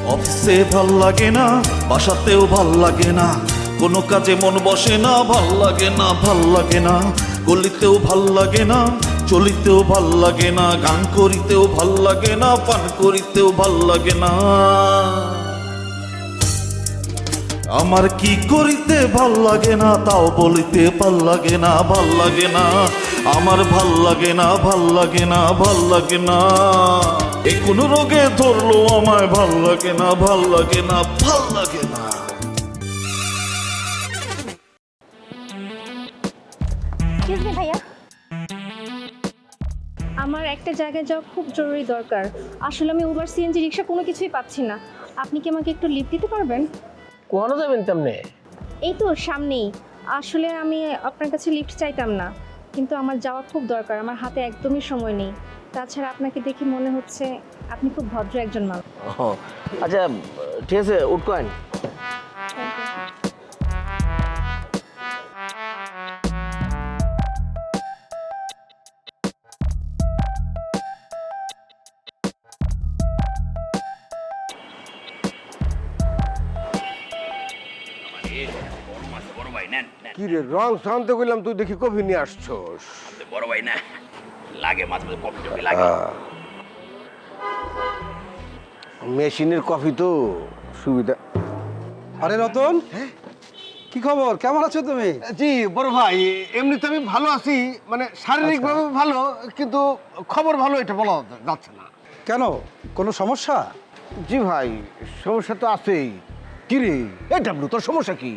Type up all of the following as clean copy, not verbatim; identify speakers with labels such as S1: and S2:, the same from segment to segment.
S1: অফিসে ভাল লাগে না, বাসাতেও ভাল লাগে না, কোনো কাজে মন বসে না, ভাল লাগে না, ভাল লাগে না, গলিতেও ভাল লাগে না, চলিতেও ভাল লাগে না, গান করিতেও ভাল লাগে না, পান করিতেও ভাল লাগে না। আমার কি করিতে ভাল লাগে না, তাও বলিতে ভাল লাগে না, ভাল লাগে না, আমার ভাল লাগে না, ভাল লাগে না, ভাল লাগে না। এ কোন রোগে ধরলো আমায়, ভাল লাগে না, ভাল লাগে না, ভাল লাগে না।
S2: এক্সকিউজ মি ভাইয়া, আমার একটা জায়গায় যাওয়া খুব জরুরি দরকার। আসলে আমি উবার, সিএনজি, রিক্সা কোনো কিছুই পাচ্ছি না। আপনি কি আমাকে একটু লিফট দিতে পারবেন?
S3: কোয়ানো যাবেন তেমনে?
S2: এই তো সামনেই। আসলে আমি আপনার কাছে লিফট চাইতাম না, কিন্তু আমার যাওয়া খুব দরকার, আমার হাতে একদমই সময় নেই। তাছাড়া আপনাকে দেখে মনে হচ্ছে আপনি খুব ভদ্র একজন মানুষ।
S3: আচ্ছা ঠিক আছে, উঠকোয়েন।
S4: কি রে রং শান্ত করলাম, তুই দেখি কফি নিয়ে আসছস।
S5: বড় ভাই না লাগে, মাঝে মাঝে কফি টফি লাগে।
S4: মেশিনের কফি তো সুবিধা।
S6: আরে রতন, কি খবর? কেমন আছো তুমি?
S4: জি বড় ভাই, এমনিতে আমি ভালো আছি, মানে শারীরিকভাবে ভালো, কিন্তু খবর ভালো এটা বলা যাচ্ছে না।
S6: কেন, কোনো সমস্যা?
S4: জি ভাই, সমস্যা তো আছেই। কি রে এই ডাবলু, তোর সমস্যা কি?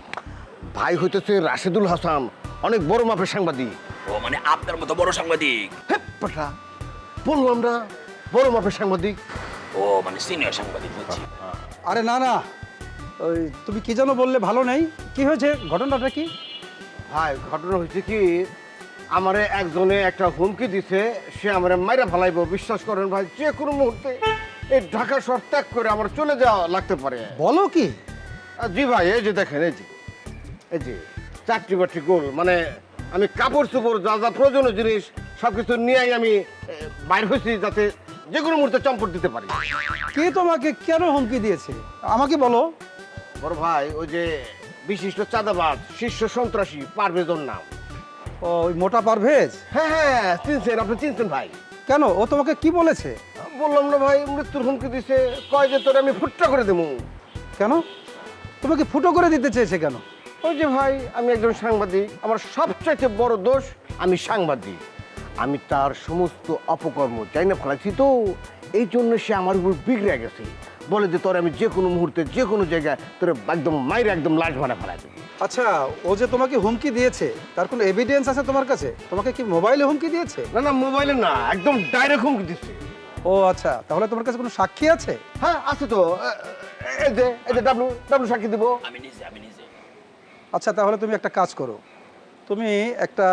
S4: ভাই হইতেছে রাশেদুল হাসান, অনেক বড় মাপের সাংবাদিক।
S5: ও মানে আপনার মতো বড় সাংবাদিক?
S4: পাঠা বলবো আমরা বড় মাপের সাংবাদিক।
S5: ও মানে সিনিয়র সাংবাদিক বুঝছি।
S6: আরে না না, ওই তুমি কি যেন বললে, ভালো নেই। কি হয়েছে, ঘটনাটা কি?
S4: ভাই ঘটনা হয়েছে কি, আমারে একজনে একটা হুমকি দিছে, সে আমারে মাইরা ফেলাইবো। বিশ্বাস করেন ভাই, যে কোনো মুহূর্তে এই ঢাকা শহর ত্যাগ করে আমার চলে যাওয়া লাগতে পারে।
S6: বলো কি?
S4: জি ভাই, এই যে দেখেন, এই যে চাকরি বাকরি গোল, মানে আমি কাপড় চোপড় যা যা প্রয়োজনীয় জিনিস সবকিছু নিয়েই আমি বাইর হয়েছি, যাতে যে কোনো মুহূর্তে চম্পট দিতে পারি।
S6: কে তোমাকে কেন হুমকি দিয়েছে আমাকে বলো।
S4: বড় ভাই, ওই যে বিশিষ্ট চাঁদাবাজ, শীর্ষ সন্ত্রাসী পারভেজর নাম।
S6: ও, ওই মোটা পারভেজ?
S4: হ্যাঁ হ্যাঁ, চিনছেন, আপনি চিনছেন ভাই।
S6: কেন, ও তোমাকে কি বলেছে?
S4: বললাম না ভাই, মৃত্যুর হুমকি দিছে, কয় যে তোরে আমি ফুটটা করে দেবো।
S6: কেন, তোমাকে ফুটো করে দিতে চেয়েছে কেন?
S4: ওই যে ভাই, আমি একজন সাংবাদিক, আমার সবচাইতে বড় দোষ আমি সাংবাদিক। আমি তার সমস্ত অপকর্ম চাই না ফেলাইছি, তো এই জন্য সে আমার উপর বিগড়ে গেছে। বলে যে তোর আমি যে কোনো মুহূর্তে যে কোনো জায়গায় তোর একদম মাইরে একদম লাশ ভাড়া ফেলাই দেবো।
S6: আচ্ছা, ও যে তোমাকে হুমকি দিয়েছে তার কোনো এভিডেন্স আছে তোমার কাছে? তোমাকে কি মোবাইলে হুমকি দিয়েছে?
S4: না না, মোবাইলে না, একদম ডাইরেক্ট হুমকি দিচ্ছে।
S6: ও আচ্ছা, তাহলে তোমার কাছে কোনো সাক্ষী আছে?
S4: হ্যাঁ আছে তো, এই যে ডাবলু ডাবলু সাক্ষী দিব।
S5: আমি নিজে
S6: আচ্ছা, তাহলে তুমি একটা কাজ করো, তুমি একটা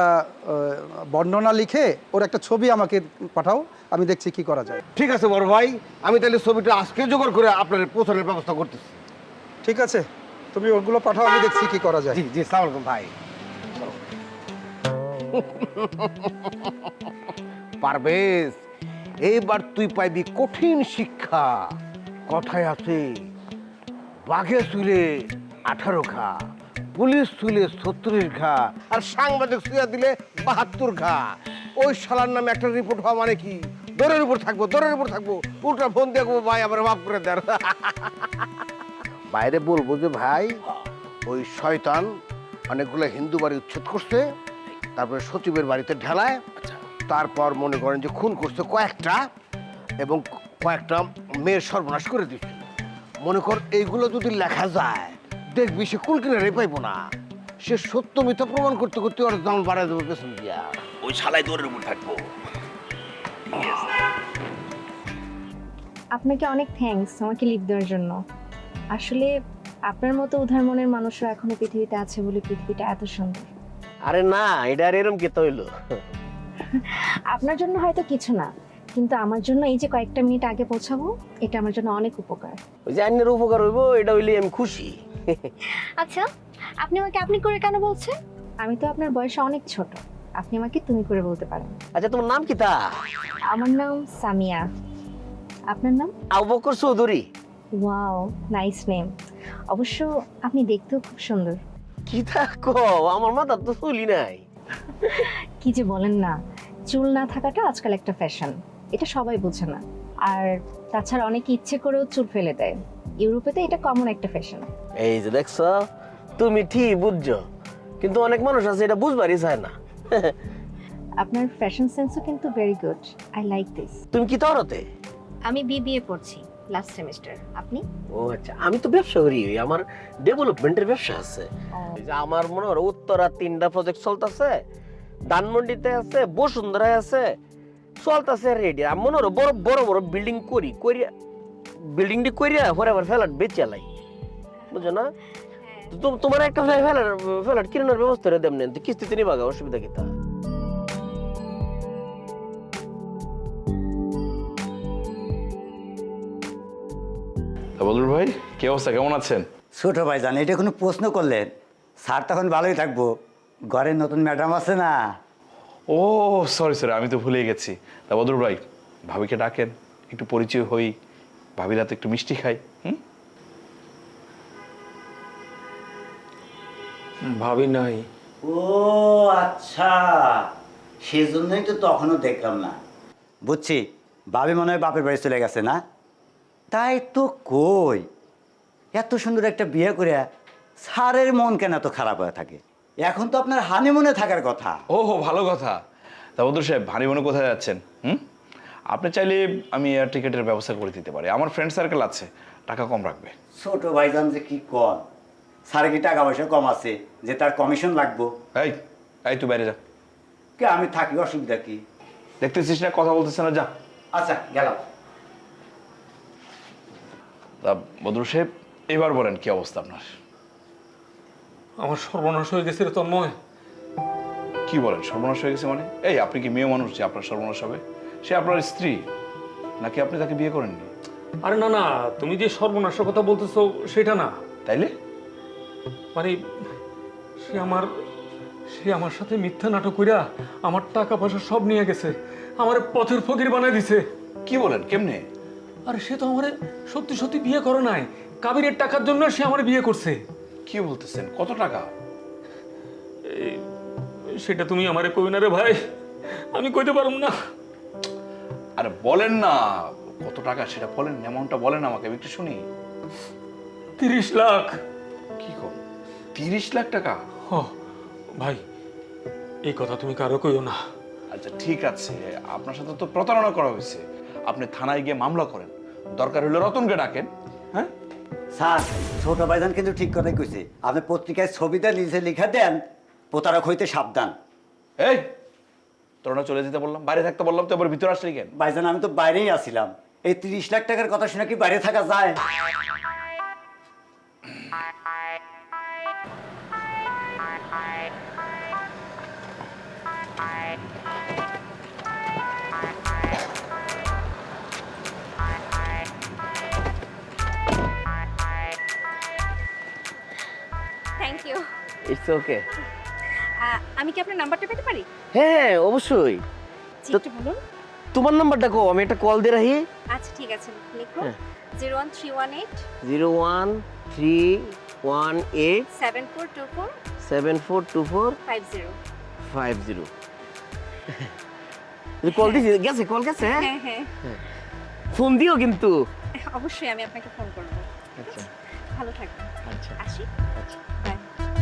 S6: বর্ণনা লিখে ওর একটা ছবি আমাকে পাঠাও, আমি দেখছি কি করা যায়।
S4: ঠিক আছে বড় ভাই, আমি তাহলে ছবিটা আজকে জোগাড় করে আপনার পৌঁছানোর ব্যবস্থা করতেছি।
S6: ঠিক আছে, তুমি ওগুলো পাঠাও, আমি দেখছি কি করা যায়।
S4: জি জি, সালাম আলাইকুম ভাই। পারভেজ, এইবার তুই পাইবি কঠিন শিক্ষা। কথায় আছে, বাঘে চুলে 18 ঘা, পুলিশ চুলে 36 ঘা, আর সাংবাদিক সুইয়া দিলে 72 ঘা। ওই শালার নামে একটা রিপোর্ট হওয়া মানে কি, দৌড়ের উপর থাকবো, দৌড়ের উপর থাকবো, উল্টা ফোন দেখবো, ভাই আবার মাফ করে দেন। বাইরে বলবো যে ভাই, ওই শয়তান অনেকগুলো হিন্দু বাড়ি উচ্ছেদ করছে, তারপরে সচিবের বাড়িতে ঢেলায়, তারপর মনে করেন যে খুন করছে কয়েকটা, এবং কয়েকটা মেয়ের সর্বনাশ করে দিচ্ছে। মনে কর এইগুলো যদি লেখা যায়, দেখবি সে কুল কিনারে পাইবো না। সে সত্য মিথ্যা প্রমাণ করতে করতে ওর দাম বাড়ায় দেবো পেছন দিয়া।
S5: ওই শালায় দৌড়ের উপর থাকবো।
S2: আপনাকে অনেক থ্যাঙ্কস আমাকে লিফট দেওয়ার জন্য। আসলে আপনার মতো উদার মনের মানুষরা এখনো পৃথিবীতে আছে বলে পৃথিবীটা এত সুন্দর।
S3: আরে না, এটা আর এরম কেতে হইলো?
S2: আপনার জন্য হয়তো কিছু না, কিন্তু আমার জন্য এই যে কয়েকটা মিনিট আগে পৌঁছাবো, এটা আমার জন্য অনেক উপকার।
S3: ওই যে আইনের উপকার হইব, এটা হইলে আমি খুশি।
S2: আচ্ছা, আপনি আমাকে আপনি করে কেন বলছেন? আমি তো আপনার বয়সে অনেক ছোট, আপনি আমাকে তুমি করে বলতে পারেন।
S3: আচ্ছা, তোমার নাম কি তা?
S2: আমার নাম সামিয়া। আপনার নাম?
S3: Abu Bakar Chowdhury.
S2: Wow, nice name. অবশ্য আপনি দেখতেও খুব সুন্দর।
S3: কি থাকো, আমার মাথা তো চুলি নাই।
S2: কি যে বলেন না, চুল না থাকাটা আজকাল একটা ফ্যাশন, এটা সবাই বোঝে না। আর তাছাড়া অনেকে ইচ্ছে করেও চুল ফেলে দেয়, ইউরোপে তো এটা কমন একটা ফ্যাশন।
S3: এই যে দেখছো, তুমি ঠিক বুঝছো, কিন্তু অনেক মানুষ আছে এটা বুঝবারই চায় না।
S2: আপনার ফ্যাশন সেন্সও কিন্তু very good, I like this.
S3: তুমি কি তরতে?
S2: আমি বিবিএ পড়ছি, লাস্ট সেমিস্টার। আপনি?
S3: ও আচ্ছা, আমি তো ব্যবসা করি, আমার ডেভেলপমেন্টের ব্যবসা আছে। এই যে আমার মনে হয় উত্তরা 3টা প্রজেক্ট চলতেছে, ধানমন্ডিতে আছে, বসুন্ধরায় আছে, চলতেছে রেডি। আমি মনে হয় বড় বড় বড় বিল্ডিং করিয়া বিল্ডিংটি করিয়া পরে আবার ফ্ল্যাট বেচে লাই, বুঝছো না? তো তোমার একটা ফ্ল্যাট কিনার ব্যবস্থা করে দেন, কিস্তিতে নিবা, অসুবিধা কি তা?
S5: বদরুল ভাই, কি অবস্থা, কেমন আছেন?
S7: ছোট ভাইজান, এটা কোনো প্রশ্ন করলেন? স্যার তখন ভালোই থাকবো, ঘরের নতুন ম্যাডাম আছে না।
S5: ও সরি, আমি তো ভুলে গেছি। তা বদরুল ভাই, ভাবিকে ডাকেন, একটু পরিচয় হই, ভাবির হাতে একটু মিষ্টি খাই।
S8: ভাবি নাই।
S7: ও আচ্ছা, সেজন্যই তো তখনও দেখলাম না। বুঝছি, ভাবি মনে হয় বাপের বাড়ি চলে গেছে না? তাই তো কই, এত সুন্দর একটা বিয়ে করে স্যারের মন কেন এত খারাপ হয়ে থাকে? এখন তো আপনার হানিমুনে থাকার কথা।
S5: ও ভালো কথা। তা বদরুল সাহেব, ভারী মনে কোথায় যাচ্ছেন? আপনি চাইলে আমি এয়ার টিকেটের ব্যবস্থা করে দিতে পারি, আমার ফ্রেন্ড সার্কেল আছে, টাকা কম রাখবে।
S7: ছোট ভাইজান যে কি কন, স্যারের কি টাকা পয়সা কম আছে যে তার কমিশন লাগবো?
S5: এই এই তুই বাইরে যা।
S7: কে, আমি থাকি, অসুবিধা কি?
S5: দেখতেছিস না কথা বলতেছে না, যা।
S7: আচ্ছা গেলাম।
S5: তা বদরুল সাহেব, এবার বলেন কি অবস্থা আপনার?
S8: আমার সর্বনাশ হয়ে গেছে রে তন্ময়।
S5: কি বলেন সর্বনাশ হয়ে গেছে মানে? এই আপনি কি মেয়ে মানুষ যে আপনার সর্বনাশ হবে? সে আপনার স্ত্রী, নাকি আপনি তাকে বিয়ে করেননি?
S8: আরে না না, তুমি যে সর্বনাশের কথা বলতেছো সেটা না।
S5: তাইলে?
S8: মানে সে আমার সাথে মিথ্যা নাটক কইরা আমার টাকা পয়সা সব নিয়ে গেছে, আমার পথের ফকির বানাই দিছে।
S5: কি বলেন, কেমনে?
S8: আরে সে তো আমারে সত্যি সত্যি বিয়ে করে নাই, কাবিরের টাকার জন্য সে আমার বিয়ে করছে।
S5: কি বলতেছেন, কত টাকা?
S8: সেটা তুমি আমারে কই না রে ভাই, আমি কইতে পারব না।
S5: আরে বলেন না, কত টাকা সেটা বলেন, অ্যামাউন্টটা বলেন আমাকে, আমি একটু শুনি।
S8: 30 লাখ।
S5: কি কম, 30 লাখ টাকা?
S8: হ ভাই, এই কথা তুমি কারো কইও না।
S5: আচ্ছা ঠিক আছে, আপনার সাথে তো প্রতারণা করা হয়েছে, আপনি থানায় গিয়ে মামলা করেন, দরকার হলে রতনকে ডাকেন। হ্যাঁ
S7: স্যার, ছোট ভাইজান কিন্তু ঠিক কথাই কইছে। আপনি পত্রিকায় ছবিটা নিজে লিখে দেন, প্রতারক হইতে সাবধান।
S5: এই তোর না চলে যেতে বললাম, বাইরে থাকতে বললাম, তো এবার ভিতরে আসলি কেন?
S7: ভাইজান, আমি তো বাইরেই আছিলাম। এই 30 লাখ টাকার কথা শুনে কি বাইরে থাকা যায়?
S2: Thank you.
S3: It's okay.
S2: আমি কি আপনার নাম্বারটা পেতে পারি?
S3: হ্যাঁ অবশ্যই।
S2: জি, একটু বলুন।
S3: তোমার নাম্বারটা কো, আমি একটা কল দিয়ে রাখি।
S2: আচ্ছা ঠিক আছে, লিখো।
S3: হ্যাঁ।
S2: 01318
S3: 01318
S2: 7424
S3: 7424
S2: 50।
S3: 50। কল দিছি, গেছে, কল গেছে।
S2: হ্যাঁ হ্যাঁ,
S3: ফোন দিও কিন্তু।
S2: অবশ্যই আমি আপনাকে ফোন করব।
S3: আচ্ছা
S2: ভালো থাকবেন।
S3: আচ্ছা
S2: আসি।
S3: আচ্ছা।
S2: বাই।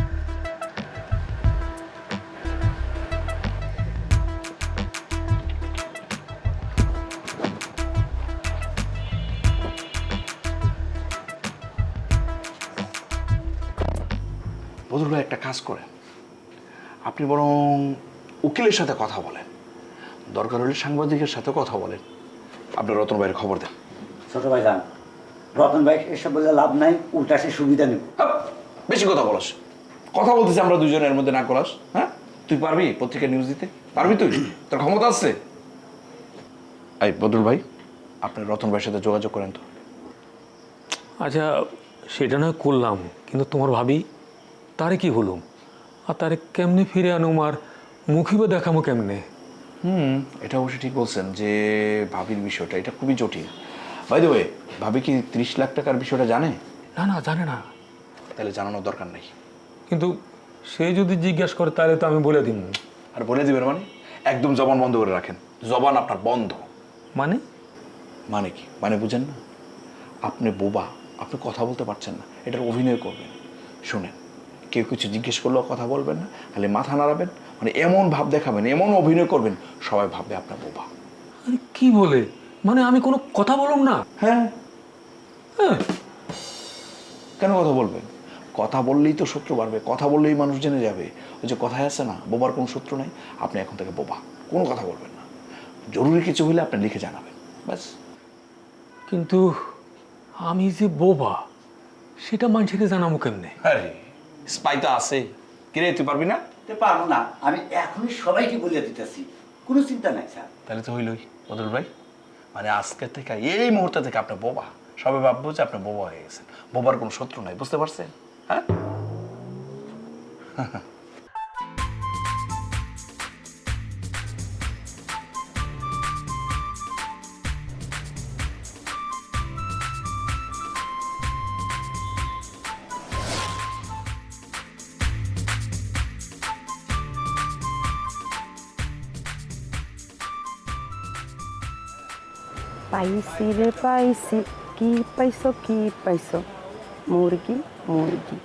S5: বদরুল ভাই, একটা কাজ করেন, আপনি বরং উকিলের সাথে কথা বলেন, দরকার হলে সাংবাদিকের সাথে কথা বলেন, আপনার রতন ভাইয়ের খবর দেন।
S7: ছোট ভাইজান, রতন ভাই এসব বলে লাভ নাই, উল্টা সে সুবিধা নেব।
S5: হাপ, বেশি কথা বলস, কথা বলতেছি আমরা দুজনের মধ্যে, না করাস। হ্যাঁ, তুই পারবি পত্রিকা নিউজ দিতে? পারবি তুই? তোর ক্ষমতা আছে? এই বদরুল ভাই, আপনি রতন ভাইয়ের সাথে যোগাযোগ করেন তো।
S8: আচ্ছা সেটা নয় করলাম, কিন্তু তোমার ভাবি তারে কি হলুম, আর তারে কেমনে ফিরে আনুম, আর মুখিবে দেখামো কেমনে?
S5: এটা অবশ্যই ঠিক বলছেন যে ভাবির বিষয়টা এটা খুবই জটিল। বাই দ্য ওয়ে, ভাবি কি 30 লাখ টাকার বিষয়টা জানে?
S8: না না, জানে না।
S5: তাহলে জানানোর দরকার নেই।
S8: কিন্তু সে যদি জিজ্ঞেস করে তাহলে তো আমি বলে দিব।
S5: আর বলে দিবেন মানে? একদম জবান বন্ধ করে রাখেন, জবান আপনার বন্ধ।
S8: মানে?
S5: মানে কি? মানে বুঝেন না? আপনি বোবা, আপনি কথা বলতে পারছেন না, এটার অভিনয় করবেন। শুনেন, কেউ কিছু জিজ্ঞেস করলেও কথা বলবেন না, খালি মাথা নাড়াবেন, মানে এমন ভাব দেখাবেন, এমন অভিনয় করবেন, সবাই ভাববে আপনার বোবা।
S8: আরে কি বলে? মানে আমি কোনো কথা বললাম না?
S5: হ্যাঁ,
S8: হ্যাঁ।
S5: কেন কথা বলবেন? কথা বললেই তো শত্রু বাড়বে, কথা বললেই মানুষ জেনে যাবে। ওই যে কথায় আছে না, বোবার কোনো শত্রু নাই। আপনি এখন থেকে বোবা, কোনো কথা বলবেন না। জরুরি কিছু হলে আপনি লিখে জানাবেন, ব্যাস।
S8: কিন্তু আমি যে বোবা সেটা মানুষকে জানাবো কেমনে?
S5: আরে স্পাই তো আছে, কিরে তুই পারবি না?
S7: তো পারবো না, আমি এখনই সবাইকে বলে দিতেছি, কোনো চিন্তা নাই স্যার।
S5: তাহলে তো হইলই বদল ভাই, মানে আজকে থেকে এই মুহূর্তে থেকে আপনি বোবা, সবাই ভাববো যে আপনি বোবা হয়ে গেছেন। বোবার কোনো শত্রু নাই, বুঝতে পারছেন? হ্যাঁ।
S9: পাইছি রে পাইছি, কি পাইছো কি পাইছো, মুরগি মুরগি।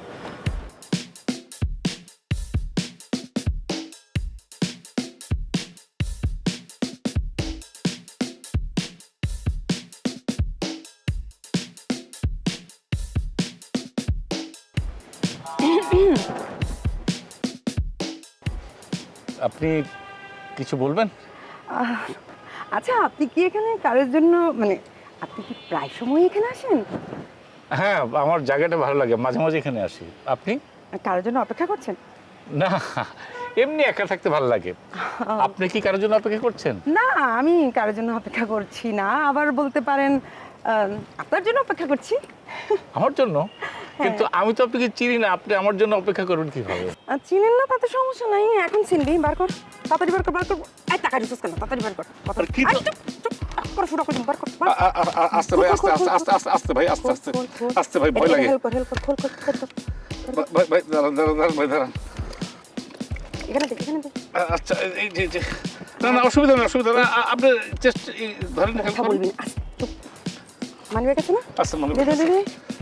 S10: আপনি কিছু বলবেন?
S9: আচ্ছা, আপনি কি এখানে কারোর জন্য, মানে আপনি কি প্রায় সময় এখানে আসেন?
S10: হ্যাঁ, আমার জায়গাটা ভালো লাগে, মাঝে মাঝে এখানে আসি। আপনি?
S9: কারোর জন্য অপেক্ষা করছেন?
S10: না, এমনি একা থাকতে ভালো লাগে। আপনি কি কারোর জন্য অপেক্ষা করছেন?
S9: না, আমি কারোর জন্য অপেক্ষা করছি না, আবার বলতে পারেন আপনার জন্য অপেক্ষা করছি।
S10: আমার জন্য? কিন্তু আমি তো আপনাকে চিনি না, আপনি আমার জন্য অপেক্ষা করবেন কিভাবে?
S9: চিনেন না তাতে সমস্যা নাই, এখন চিনবি, বার কর, তাড়াতাড়ি বার কর, বার কর। এই টাকা রিসোর্স কেন, তাড়াতাড়ি বার কর।
S10: আর কি তো-
S9: করে ফুটা করে বার কর।
S10: আস্তে ভাই, আস্তে আস্তে আস্তে আস্তে আস্তে ভাই, আস্তে আস্তে আস্তে ভাই, ভয় লাগে।
S9: হেল্প কর, হেল্প কর, খোল খোল খোল খোল।
S10: ভাই ভাই, দাঁড়ান দাঁড়ান দাঁড়ান ভাই, দাঁড়ান।
S9: এখানে দে, এখানে দে।
S10: আচ্ছা, এই যে না না, অসুবিধা না, অসুবিধা না। আপনি চেস্ট ধরেন, হেল্প
S9: কথা
S10: করুন।
S9: বলবি না, আস্তে, চুপ। মানি ব্যাগ আছে না?
S10: আচ্ছা, মনে
S9: দে দে দে দে।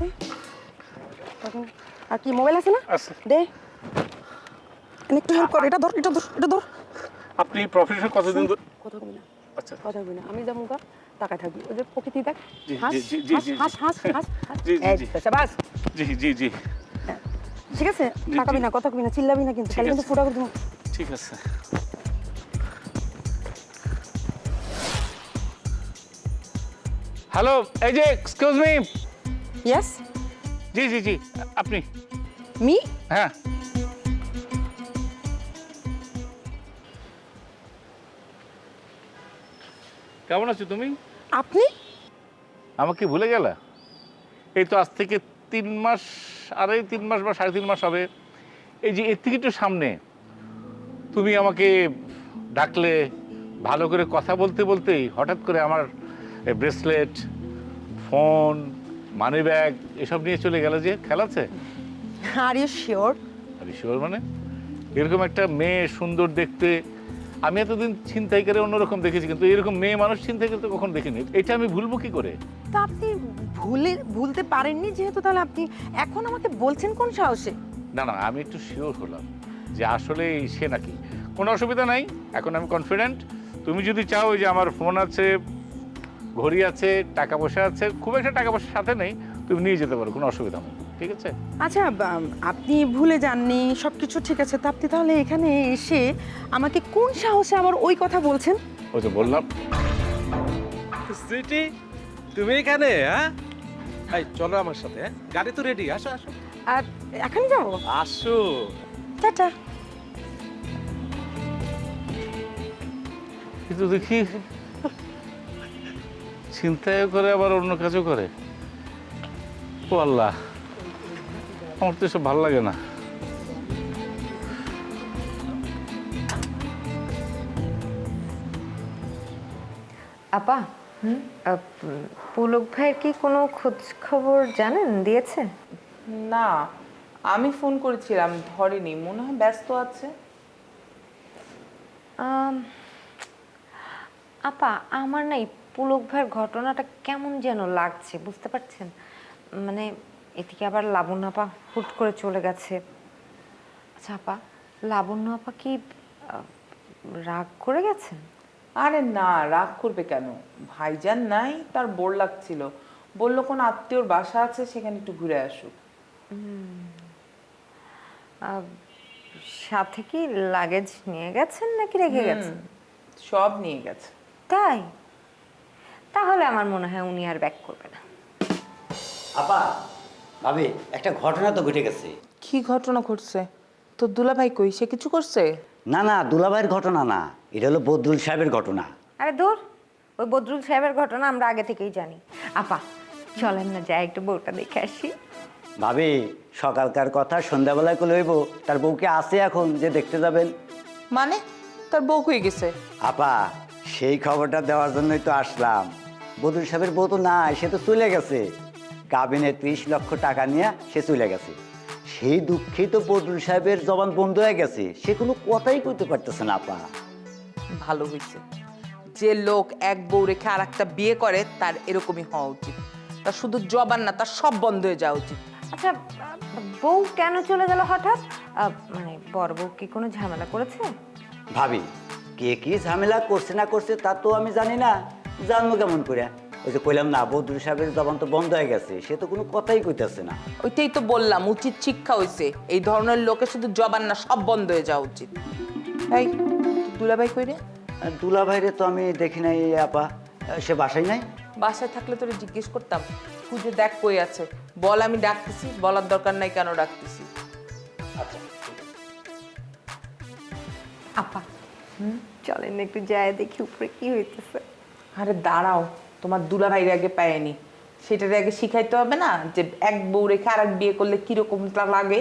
S9: তখন আর কি মোবাইল আছে না?
S10: আচ্ছা।
S9: দে। এনে একটু হেল্প কর, এটা ধর, এটা ধর, এটা ধর।
S10: আপনি প্রফেশন কতদিন ধরে?
S9: কথা বলবি না,
S10: আচ্ছা,
S9: কথা বলবি না। আমি যাবো গা, টাকা থাকবি। ওই যে প্রকৃতি দেখ,
S10: জি,
S9: হাস
S10: জি, জি,
S9: হাস
S10: জি,
S9: হাস হাস হাস হাস।
S10: জি, জি,
S9: এই
S10: জি।
S9: তো, শাবাশ।
S10: জি জি জি,
S9: ঠিক আছে,
S10: জি,
S9: তাকাবি
S10: জি।
S9: না, কথা কবি না, চিল্লাবি না, কিন্তু
S10: ঠিক
S9: খালি কিন্তু
S10: আছে।
S9: ফুটা করে দেবো।
S10: ঠিক আছে। হ্যালো, এই যে এক্সকিউজ মি।
S9: ইয়েস,
S10: জি জি জি, আপনি?
S9: মি?
S10: হ্যাঁ। কেমন আছো তুমি?
S9: আপনি?
S10: আমাকে ভুলে গেলা? এই তো আজ থেকে 3 মাস, 3.5 মাস বা 3.5 মাস হবে। এই যে এর থেকে একটু সামনে তুমি আমাকে ডাকলে, ভালো করে কথা বলতে বলতেই হঠাৎ করে আমার ব্রেসলেট, ফোন, মানি ব্যাগ এসব নিয়ে চলে গেল। যে খেলা আছে?
S9: Are you sure?
S10: আরে শিওর মানে? এরকম একটা মেয়ে, সুন্দর দেখতে, আমি এতদিন ছিনতাই করে অন্যরকম দেখেছি, কিন্তু এরকম মেয়ে মানুষ ছিনতাই করতে কখনো দেখিনি। এটা আমি ভুলবো কি করে?
S9: তা আপনি ভুলতে পারেননি যেহেতু, তাহলে আপনি এখন আমাকে বলছেন কোন সাহসে?
S10: না না, আমি একটু শিওর হলাম যে আসলে সে নাকি। কোনো অসুবিধা নাই, এখন আমি কনফিডেন্ট। তুমি যদি চাও, যে আমার ফোন আছে, ঘড়ি আছে, টাকা পয়সা আছে, খুব একটা টাকা পয়সা সাথে নেই, তুমি নিয়ে যেতে পারো, কোনো অসুবিধা নেই, ঠিক আছে?
S9: আচ্ছা, আপনি ভুলে যাননি, সব কিছু ঠিক আছে, তা আপনি তাহলে এখানে এসে আমাকে কোন সাহসে আবার ওই কথা বলছেন?
S10: ওই তো বললাম।
S11: সুইটি, তুমি এখানে? হ্যাঁ, এই চলো আমার সাথে। হ্যাঁ, গাড়ি তো রেডি, আসো আসো
S9: আর এখনই যাবো?
S11: আসো।
S9: টাটা।
S10: কিন্তু দেখি চিন্তাও করে, আবার অন্য কাজও করে। ও আল্লাহ, আমার তো এসব ভালো লাগে না।
S12: আপা,
S2: পুলক ভাইয়ের কি কোনো খোঁজ খবর জানেন দিয়েছে?
S9: না, আমি ফোন করেছিলাম, ধরেনি, মনে হয় ব্যস্ত আছে।
S2: আপা, আমার না এই পুলক ভাইয়ের ঘটনাটা কেমন যেন লাগছে, বুঝতে পারছেন? মানে এদিকে আবার লাবণ্য আপা হুট করে চলে গেছে। আচ্ছা আপা, লাবণ্য আপা কি রাগ করে গেছেন?
S9: আরে না, রাগ করবে কেন? ভাইজান নাই, তার বোর লাগছিল, বলল কোন আত্মীয়র বাসা আছে, সেখানে একটু ঘুরে আসুক।
S2: সাথে কি লাগেজ নিয়ে গেছেন নাকি রেখে গেছেন?
S9: সব নিয়ে গেছে।
S2: তাই? তাহলে আমার মনে হয় উনি আর ব্যাক করবে না।
S7: আপা, ভাবি, একটা ঘটনা তো ঘটে গেছে।
S9: কি ঘটনা ঘটছে? তোর দুলাভাই কই, সে কিছু করছে?
S7: না না, দুলাভাইয়ের ঘটনা না, এটা হলো বদরুল সাহেবের ঘটনা।
S2: আরে দূর, ওই বদরুল সাহেবের ঘটনা আমরা আগে থেকেই জানি। আপা চলেন না, যাই একটু বউটা দেখে আসি।
S7: ভাবি, সকালকার কথা সন্ধ্যাবেলায় করে হইব, তার বউকে আছে এখন যে দেখতে যাবেন?
S9: মানে তার বউ কই গেছে?
S7: আপা, সেই খবরটা দেওয়ার জন্যই তো আসলাম। বদরুল সাহেবের বউ তো নাই, সে তো চলে গেছে। কাবিনে 30 লক্ষ টাকা নিয়ে সে চলে গেছে। সেই দুঃখেই তো বদরুল সাহেবের জবান বন্ধ হয়ে গেছে, সে কোনো কথাই কইতে পারতেছে না। আপা,
S9: ভালো হয়েছে, যে লোক এক বউ রেখে আর একটা বিয়ে করে তার এরকমই হওয়া উচিত। তার শুধু জবান না, তার সব বন্ধ হয়ে যাওয়া উচিত।
S2: আচ্ছা, বউ কেন চলে গেল হঠাৎ? মানে বড় বউ কি কোনো ঝামেলা করেছে?
S7: ভাবি, কে কি ঝামেলা করছে না করছে তা তো আমি জানি না, জানবো কেমন করে? ওই যে কইলাম না, বদরুল সাহেবের জবান তো বন্ধ হয়ে গেছে, সে তো কোনো কথাই কইতেছে না।
S9: ওইটাই তো বললাম, উচিত শিক্ষা হয়েছে। এই ধরনের লোকের শুধু জবান না, সব বন্ধ হয়ে যাওয়া উচিত। এই দুলাভাই কই রে?
S7: আর দুলাভাইরে তো আমি দেখি নাই। আপা, সে বাসায় নাই?
S9: বাসায় থাকলে তোরে জিজ্ঞেস করতাম, খুঁজে দেখ কই আছে। বল আমি ডাকতেছি, বলার দরকার নাই কেন ডাকতেছি।
S7: আচ্ছা,
S2: আপা চলেন একটু যায় দেখি উপরে কি হইতেছে।
S9: আরে দাঁড়াও, তোমার দুলাভাইরে আগে পায়নি, সেটার আগে শিখাইতে হবে না যে এক বউ রেখে আর এক বিয়ে করলে কিরকমটা লাগে।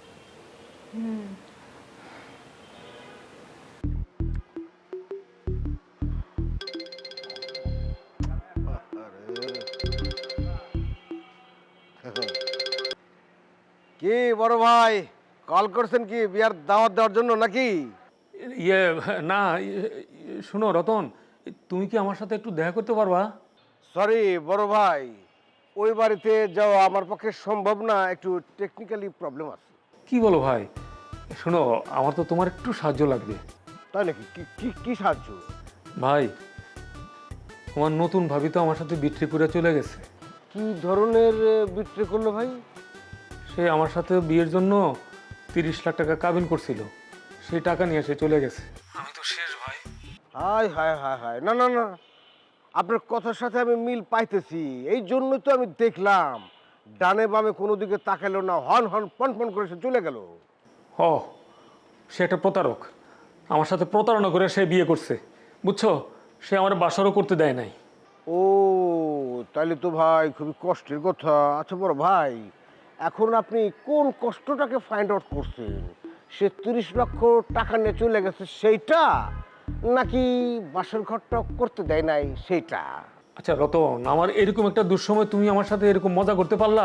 S4: কি বড় ভাই, কল করছেন কি বিয়ার দাওয়াত দেওয়ার জন্য নাকি?
S8: ইয়ে না, শোনো রতন, তুমি কি আমার সাথে একটু দেখা করতে পারবা?
S4: সরি বড় ভাই, ওই বাড়িতে যাওয়া আমার পক্ষে সম্ভব না, একটু টেকনিক্যালি প্রবলেম আছে।
S8: কি বলো ভাই? শোনো, আমার তো তোমার একটু সাহায্য লাগবে।
S4: তাই নাকি? কি কি কি সাহায্য?
S8: ভাই, তোমার নতুন ভাবি তো আমার সাথে বিট্রি করে চলে গেছে।
S4: কি ধরনের বিক্রি করলো ভাই?
S8: সে আমার সাথে বিয়ের জন্য 30 লাখ টাকা কাবিন করছিল, সেই টাকা নিয়ে সে চলে গেছে। আমি তো শেষ ভাই।
S4: হায় হায় হায় হায়, না না না, আপনার কথার সাথে আমি মিল পাইতেছি, এই জন্যই তো আমি দেখলাম ডানে বামে কোনো দিকে তাকালো না, হন হন পন পন করে সে চলে গেল।
S8: ও, সে একটা প্রতারক, আমার সাথে প্রতারণা করে সে বিয়ে করছে, বুঝছো? সে আমার বাসরও করতে দেয় নাই।
S4: ও, তাহলে তো ভাই খুবই কষ্টের কথা। আচ্ছা বড় ভাই, এখন আপনি কোন কষ্টটাকে ফাইন্ড আউট করছেন? সে 30 লক্ষ টাকা নিয়ে চলে গেছে সেইটা, নাকি বাসর ঘরটা করতে দেয় নাই সেইটা?
S8: আচ্ছা রতন, আমার এরকম একটা দুঃসময় তুমি আমার সাথে এরকম মজা করতে পারলা?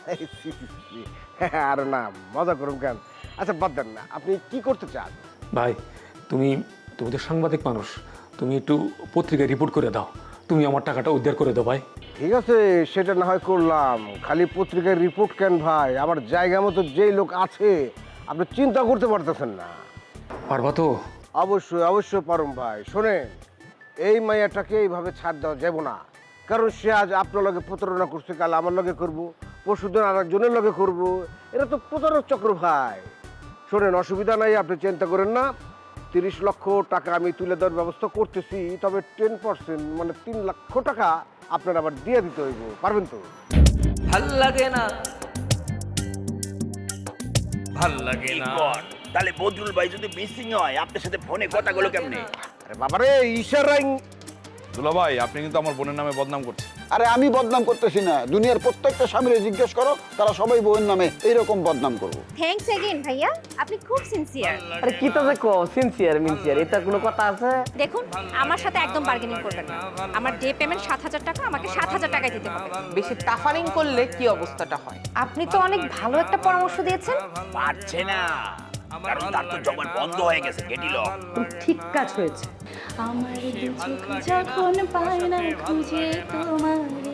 S4: আর না, মজা করুন কেন? আচ্ছা বাদ দেন না, আপনি কি করতে চান?
S8: ভাই, তুমি তো সাংবাদিক মানুষ, তুমি একটু পত্রিকায় রিপোর্ট করে দাও, তুমি আমার টাকাটা উদ্ধার করে দাও ভাই।
S4: ঠিক আছে, সেটা না হয় করলাম, খালি পত্রিকায় রিপোর্ট কেন ভাই? আমার জায়গা মতো যেই লোক আছে, আপনি চিন্তা করতে পারতেছেন না।
S8: পারবা তো?
S4: অবশ্যই অবশ্যই পারুম ভাই। শোনেন, এই মাইয়াটাকে এইভাবে ছাড় দেওয়া যাব না, কারণ সে আজ আপনার লগে প্রতারণা করছে, কাল আমার লগে করবো, পরশুদিন আর একজনের লগে করবো, এটা তো প্রতারক চক্র ভাই। শোনেন, অসুবিধা নাই, আপনি চিন্তা করেন না, 30 লক্ষ টাকা আমি তুলে দেওয়ার ব্যবস্থা করতেছি, তবে 10% মানে 3 লক্ষ টাকা আপনার আবার দিয়ে দিতে হইব, পারবেন তো?
S3: ভাল লাগে না।
S11: ভাল লাগে না।
S3: তাহলে বদরুল ভাই যদি মিসিং হয়, আপনার সাথে ফোনে কথা গুলো কেমনে?
S4: আরে বাবারে, ইশারাই
S5: দুলা ভাই, আপনি কিন্তু আমার বোনের নামে বদনাম করছেন।
S12: আরে আমি বদনাম করতেছি না, দুনিয়ার প্রত্যেকটা স্বামীরে জিজ্ঞেস করো, তারা সবাই বউয়ের নামে এইরকম বদনাম করবো।
S13: থ্যাঙ্কস এগেইন ভাইয়া, আপনি খুব সিনসিয়ার।
S3: আরে কি তো দেখো সিনসিয়ার মিনসিয়ার, এটা কোনো কথা আছে?
S13: দেখুন, আমার সাথে একদম বার্গেনিং করবেন না। আমার ডে পেমেন্ট 7,000 টাকা, আমাকে 7,000 টাকায় দিতে হবে।
S9: বেশি টাফারিং করলে কি অবস্থাটা হয়?
S2: আপনি তো অনেক ভালো একটা পরামর্শ দিয়েছেন।
S3: পারছে না, কারণ তার তো জবান বন্ধ হয়ে গেছে, গেটি লক।
S13: ঠিক কাজ হয়েছে। আমার দু চোখ যখন পায় না খুঁজে তোমার